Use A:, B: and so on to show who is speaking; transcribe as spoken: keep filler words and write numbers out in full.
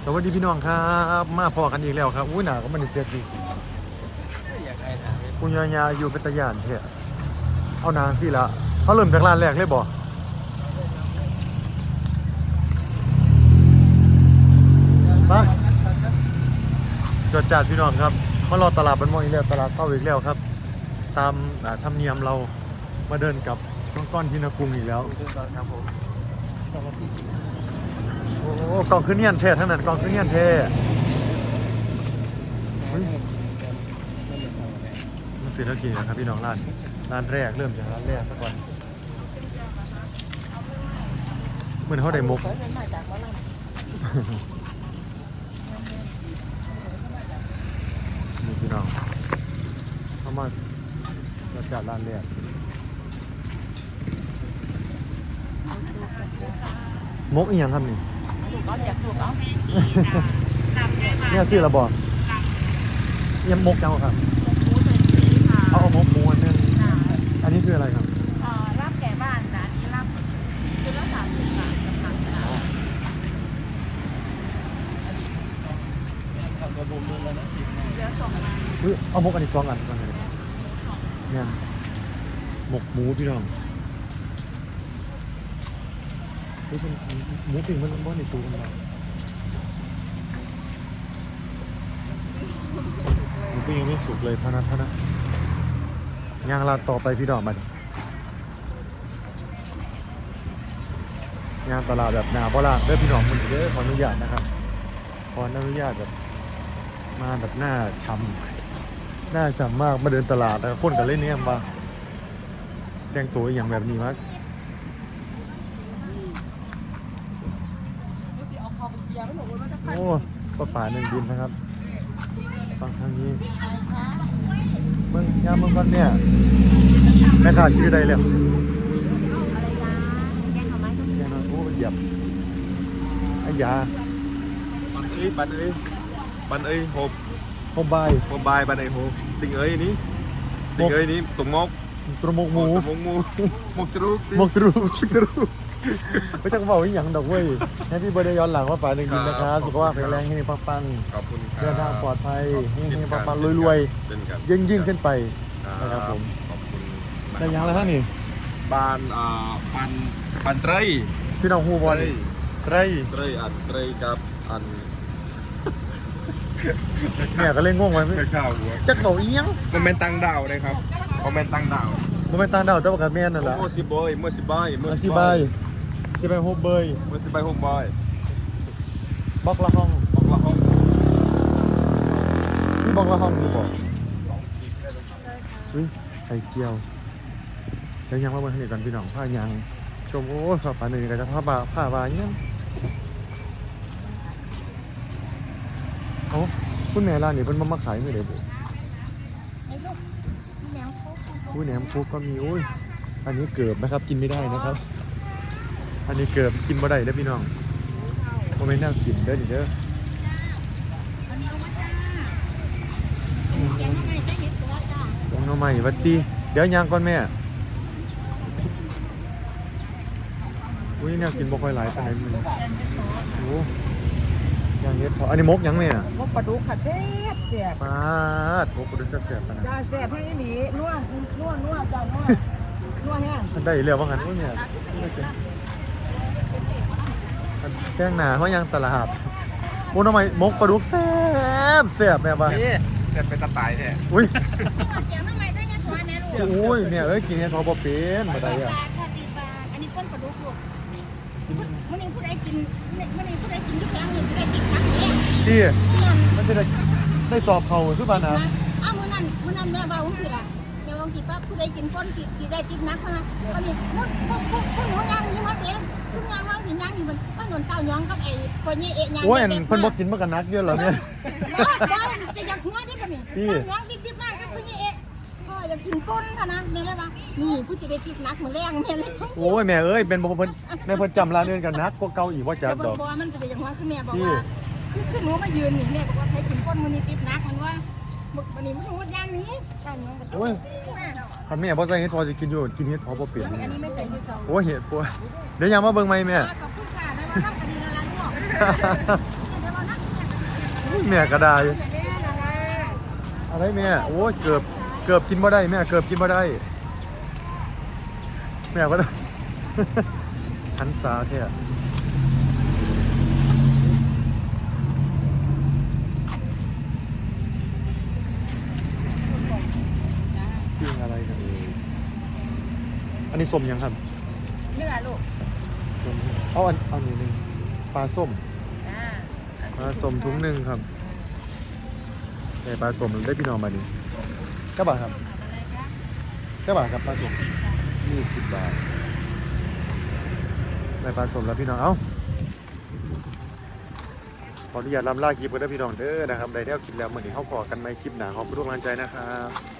A: สวัสดีพี่น้องครับมาพอกันอีกแล้วครับอุ้ยหนาก็มันเสียดีคุณยายาอยู่เป็นตะยานเถอะเอานางสิละเขาเริ่มจากร้านแรกเลยบ่ไปจอดจัดพี่น้องครับมารอตลาดบันมองอีกแล้วตลาดเศร้าอีกแล้วครับ ตามธรรมเนียมเรามาเดินกับน้องก้อนที่นกรุงอีกแล้วครับผมโอ้กล่องขึ้นเนียนเท่ทั้งนั้นกล่องขึ้นเนียนเท่มันสิแล้วกี่นะครับพี่น้องร้านร้านแรกเริ่มจากร้านแรกซะก่อนเหมือนเขาได้มุกนี่พี่น้องเข้ามาจัดร้านแรกมุกอีกอย่างครับนี่เนี่ยซื้อระบอกยังมกจังครับเอาเอามกหมูอันนึงอันนี้คืออะไรครับ
B: ลาบแก่บ้านจ้ะอันนี้ลาบคือละสามสิบบาทนะคะเดี๋ยวส่งมา
A: เอามกอันนี้สองอันกันเลยเนี่ยหมกหมูพี่น้องนี่เป็นหมูปิ้งมันบ้านในซูกันมาหมูปิ้งยังไม่สุกเลยพะนัทพะนะย่างลาดต่อไปพี่ดอกมันย่างตลาดแบบหนาเพราะล่ะเด้อพี่น้องมันเด้อขออนุญาตนะครับขออนุญาตแบบมาแบบหน้าช้ำหน้าช้ำมากมาเดินตลาดแล้วคนกันเล่นเนี่ยมาแต่งตัวอย่างแบบนี้มั้ยโอ้ปลาป่าหนึ่งดินนะครับฟังทางนี้เมืองยามเมืองก่อนเนี่ยแม่ค้าชื่อใดแล้ว
B: อะไรจ้าแกงหน่อไม้ต้ม
A: แกนอนโอ้เหยียบไอ้ยา
C: bạn ơi bạn ơi bạn ơi hộp
A: โมบาย
C: hộp bài bạn ơi hộp tình ơi ní tình ơi ní tùng mốc
A: ตรมกหมู
C: tùng mốc mu một chút
A: หมกตรูชิกตรูไม่ต้องบอกอีหยังดอกเว้ยแฮปปี้เบิร์ดเดย์ย้อนหลังว่าป่าหนึ่งดินนะครับสุขภาพแข็งแรงให้ปังปัง
C: ขอบคุณครับ
A: เดินทางปลอดภัยให้ให้ปังปังรวยๆยิ่งยิ่งขึ้นไปนะครับผม
C: ขอบคุณ
A: แต่ยังอะไรท่านนี่
C: บ้านอ่าปันปันเตย
A: พี่น้องฮูบอลไร
C: เตยอันเตยกับอัน
A: เนี่ยก็เล่นง่วงไว้
C: ไม่ข้าวหัว
A: จักบอกอีหยัง
C: มันเป็นตังดาวเลยครับมันเป็นตังดาว
A: มันเป็นตาดาวแต่ว่ากับแม่นั่นแหละ
C: โอ้สิบอยเมื่อสิบอยเมื่อ
A: อา
C: สิ
A: ซี
C: บบ
A: า
C: อย ย
A: ซีบายโฮเบย
C: เมื่อสิบอยหกบอย
A: บล็อกละห้อง
C: บอกละห้อง
A: นี่บล็อกละห้องอยู่บอกอุ้ยไข่เจียวแล้วยังว่าบนถนนกันพี่น้องผ้ายังชมโอ้ผ้าป่าหนึ่งกันจะผ้าบาผ้าบาเนี่ยเอาคุณแม่ร้านนี้เพิ่นมามาขายไม่ได้บุ
B: ไอ้ลูกแมวเขา
A: อุ้ยแหนมคุกก็มีอุ้ยอันนี้เกือบนะครับกินไม่ได้นะครับ อันนี้เกือบกินบ่ได้เด้อพี่น้องโมเมนต์น่ากินเด้อดิเด้อ
B: อันนี้เอามาจ้าแกงหน่อไม้ได้เห็ดตัวจ้า
A: ตรงน้องใหม่วัดตีเดี๋ยวยางก่อนแม่อุ้ยเนี่ยกินบ่ค่อยหลายปานใดมื้อนี้โอ้ยางเฮ็ดพออันนี้มกยังแม่
B: มกปลาดุกค่ะแซ่บแซ่บ
A: ปาดมกบ่ได้แซ่บๆปานนั้น
B: จ้าแซ่บให้หลีนัวนัวนัวจ้านัวนัวแห้ง
A: มันได้แล้วว่างั้นโอ้ยเนี่ยแกงหน้าเฮายังตลาดโอ้น้องใหม่มกปลาดุกแซ่บแซ่บแม่ว่า
C: นี่แต่เป็นตะไคร้แท้
A: อุ้ย
B: แกงหน่อไม้ได้เห็ดตัวแม่ลูก
A: โอ้ยเนี่ยเอ้ยกินเฮ็ดพอบ่เป็นบ่ได้อ่ะ
B: บาทค่ะสี่บาทอันนี้ป้นปลาดุกลูกมื้อนี้ผู้ใดกินมื้อนี้ผู้ใดกินที่แพงนี่จะได้กินผักแห้ง
A: ที่
B: เนี่ย
A: มันจะได้ได้สอบเขาคือปานนะ
B: อ้าวมื้อนั้นมื้อนั้นแม่เว้าสิล่ะแม่ว่าสิป้าผู้ใดกินป้นสิสิได้กินนักเท่านั้นอันนี้พวกพวกพวกพวกหนูย่างนี้มาเต็มทุกอย่างว่าสิย่างนี่มันมันหนุนเต้าย้องกับไอ้พ่อใหญ่เอะย่าง
A: โอ้ยอันเพิ่นบ่กินมันก็นักเยอะแล้วเนี่ย
B: บ่บ่จะอยากหัวได้ป่ะนี่เต้าย้องดิบๆมากกับพ่อใหญ่เอะพ่ออยากกินป้นค่ะนะแม่เลยว่านี่ผู้สิได้กินนักมื้อแรงแม่เลย
A: โอ้ยแม่เอ้ยเป็นบ่เพิ่นแม่เพิ่นจำร้านเดินกันนักกว่าเก่าอีกว่าจัดดอก
B: บ่มันจะได้อย่างว่าคือแม่บอกว่าคือคือหนูมายืนนี่แม่บอกว่าใครกินป้นมื้อนี้ติดนักมันว่าวันนี้มันพูดอย่างนี้เต้าย้องกับ
A: โอ้ยคันแม่บ่ใส่เฮ็ดพอสิกินอยู่กินเฮ็ดพอบ่เปลี่ยน
B: อันนี้ไม่ใส่ที่จอง
A: โอ้ยเฮ็ดปัวเดี๋ยวยังมาเบิ่งใหม่แม่
B: ขอบคุณค่ะได้มารับคดีแล้วล่ะลูกเดี๋ยวเรานัก
A: แม่ก็ได้
B: แม่ละละ
A: อะไรแม่โอ้ยเกือบเกือบกินบ่ได้แม่เกือบกินบ่ได้แม่ก็ได้ หันสาแท้ปิ้งอะไรกันเอ่ยอันนี้ส้มยังครับ
B: เนื้อลูก
A: ส้มเอาอันเอาหนึ่งหนึ่งปลาส้ม
B: จ้า
A: ปลาส้มถุงหนึ่งครับแต่ปลาส้มได้พี่น้องมาดิเก้าบาทครับเก้าบาทครับปลาส้มยี่สิบบาทได้ปลาส้มแล้วพี่น้องเอ้าขออนุญาตลำลาคลิปกันด้วยพี่น้องเด้อนะครับได้แนวกินแล้วเหมือนที่เขาขอกันในคลิปหนาขอบคุณทุกกำลังใจนะครับ